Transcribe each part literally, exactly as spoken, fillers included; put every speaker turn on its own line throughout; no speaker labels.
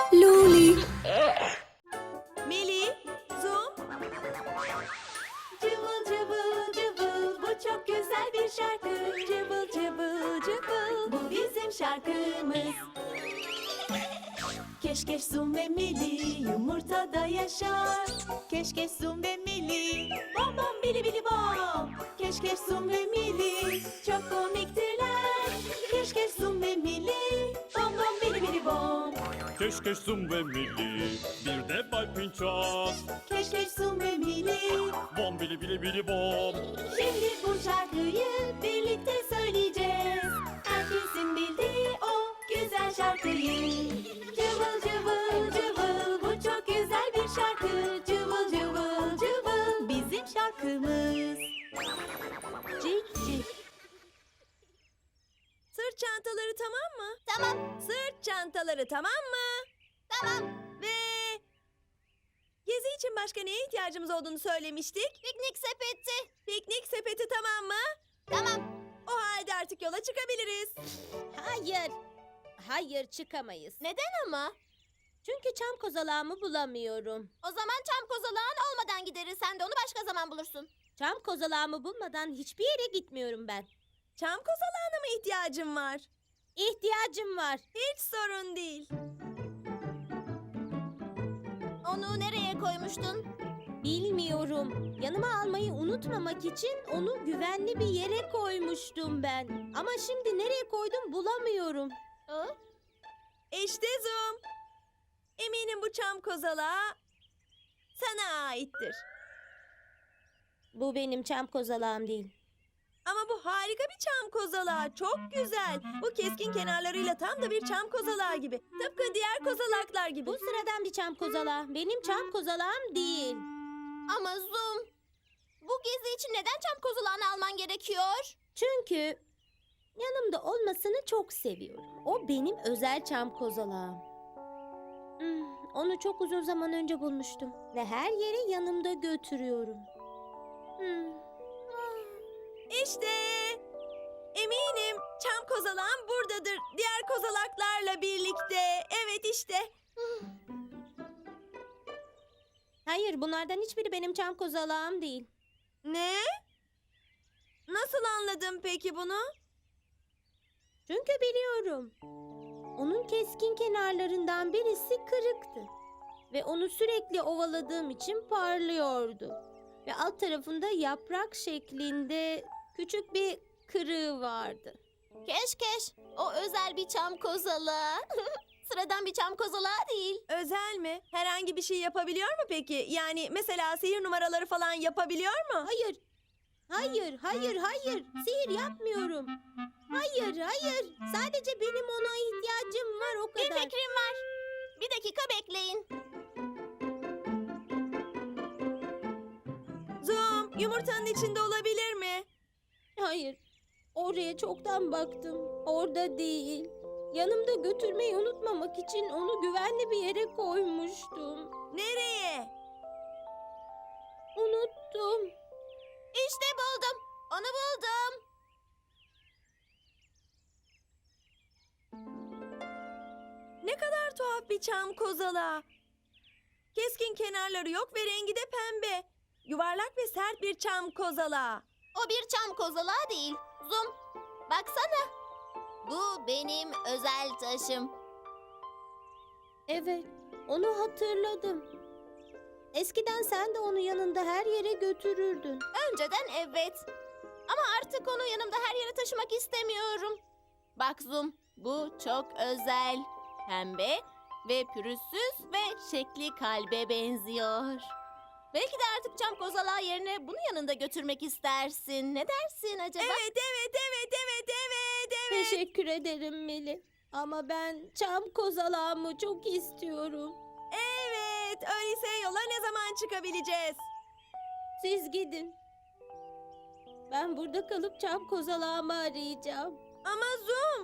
Luli.
Meli, Zoom. Cıvıl cıvıl cıvıl, bu çok güzel bir şarkı. Cıvıl cıvıl cıvıl, bu bizim şarkımız. Keşkeş Zoom ve Meli yumurtada yaşar. Keşkeş Zoom ve Meli, bom bom bili bili bom. Keşkeş Zoom ve Meli çok komiktirler. Keşkeş Zoom ve Meli, bom bom bili bili bom.
Keşkeş Zoom ve Mili, bir de Bay Pinçaz.
Keşkeş Zoom ve Meli,
Bom bili bili bili bom.
şimdi bu şarkıyı birlikte söyleyeceğiz. Herkesin bildiği o güzel şarkıyı. Cıvıl cıvıl cıvıl, bu çok güzel bir şarkı. Cıvıl cıvıl cıvıl, bizim şarkımız. Cik cik. Sırt çantaları tamam mı?
Tamam,
Sırt çantaları tamam mı?
tamam.
Ve gezi için başka neye ihtiyacımız olduğunu söylemiştik.
Piknik sepeti.
Piknik sepeti tamam mı?
Tamam.
O halde artık yola çıkabiliriz.
Hayır. Hayır çıkamayız.
Neden ama?
Çünkü çam kozalağımı bulamıyorum.
O zaman çam kozalağın olmadan gideriz. Sen de onu başka zaman bulursun.
Çam kozalağımı bulmadan hiçbir yere gitmiyorum ben.
Çam kozalağına mı ihtiyacım var?
İhtiyacım var.
Hiç sorun değil.
Onu nereye koymuştun?
Bilmiyorum. Yanıma almayı unutmamak için onu güvenli bir yere koymuştum ben. Ama şimdi nereye koydum bulamıyorum.
Aa,
İşte Zoom. Eminim bu çam kozalağı sana aittir.
Bu benim çam kozalağım değil.
Ama bu harika bir çam kozalağı. Çok güzel. Bu keskin kenarlarıyla tam da bir çam kozalağı gibi. Tıpkı diğer kozalaklar gibi.
Bu sıradan bir çam kozalağı. Benim çam kozalağım değil.
ama Zoom. Bu gezi için neden çam kozalağını alman gerekiyor?
Çünkü yanımda olmasını çok seviyorum. O benim özel çam kozalağım. Hmm, onu çok uzun zaman önce bulmuştum ve her yere yanımda götürüyorum. Hmm,
İşte eminim çam kozalağım buradadır. Diğer kozalaklarla birlikte. Evet işte.
Hayır, bunlardan hiçbiri benim çam kozalağım değil.
Ne? Nasıl anladın peki bunu?
Çünkü biliyorum. Onun keskin kenarlarından birisi kırıktı. Ve onu sürekli ovaladığım için parlıyordu. Ve alt tarafında yaprak şeklinde küçük bir kırığı vardı.
Keşkeş. O özel bir çam kozalağı. Sıradan bir çam kozalağı değil.
Özel mi? Herhangi bir şey yapabiliyor mu peki? Yani mesela sihir numaraları falan yapabiliyor mu?
Hayır. Hayır, hayır, hayır. Sihir yapmıyorum. Hayır, hayır. Sadece benim ona ihtiyacım var o
Bir
kadar.
fikrim var. Bir dakika bekleyin.
Zoom, yumurtanın içinde olabilir mi?
Hayır. Oraya çoktan baktım. Orada değil. Yanımda götürmeyi unutmamak için onu güvenli bir yere koymuştum.
Nereye?
Unuttum.
İşte buldum. Onu buldum.
Ne kadar tuhaf bir çam kozalağı. Keskin kenarları yok ve rengi de pembe. Yuvarlak ve sert bir çam kozalağı.
O bir çam kozalağı değil. Zoom. Baksana. Bu benim özel taşım.
Evet, onu hatırladım. Eskiden sen de onu yanında her yere götürürdün.
Önceden evet. Ama artık onu yanımda her yere taşımak istemiyorum. Bak Zoom, bu çok özel. Pembe ve pürüzsüz ve şekli kalbe benziyor. Belki de artık çam kozalağı yerine bunu yanında götürmek istersin. Ne dersin acaba?
Evet, evet, evet, evet, evet, evet.
Teşekkür ederim Meli. Ama ben çam kozalağımı çok istiyorum.
Evet, öyleyse yola ne zaman çıkabileceğiz?
Siz gidin. Ben burada kalıp çam kozalağımı arayacağım.
Ama Zoom.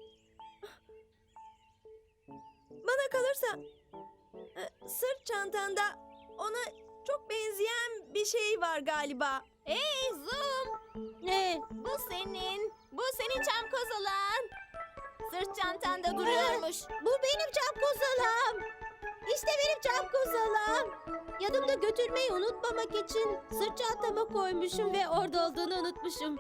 Bana kalırsa e, sırt çantanda ona çok benzeyen bir şey var galiba.
Hey Zoom,
Ne?
bu senin. Bu senin çam kozalağın. sırt çantanda duruyormuş.
Bu benim çam kozalam. İşte benim çam kozalam. Yanımda götürmeyi unutmamak için sırt çantama koymuşum ve orada olduğunu unutmuşum.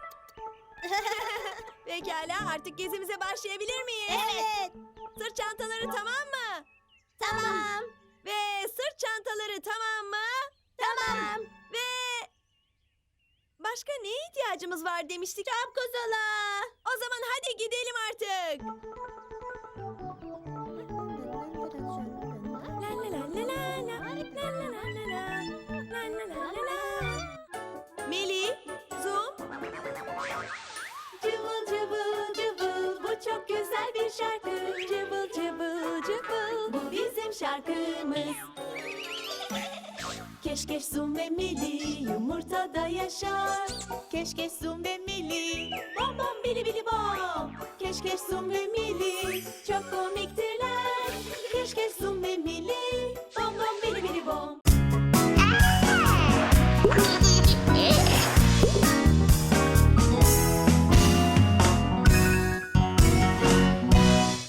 Pekala, artık gezimize başlayabilir miyiz?
Evet.
Sırt çantaları tamam mı?
Tamam.
Ve sırt çantaları tamam mı?
Tamam.
Ve başka neye ihtiyacımız var demiştik?
Çam kozala.
O zaman hadi gidelim artık. La la la la la la, la la la la la, la la la la la. Meli, Zoom. Cıvıl cıvıl cıvıl, bu çok güzel bir şarkı. Cıvıl cıvıl cıvıl, bu bizim şarkımız. Keşkeş Zoom ve Mili yumurtada yaşar. Keşkeş Zoom ve Mili, bom bom bili bili bom. Keşkeş Zoom ve Mili çok komiktir.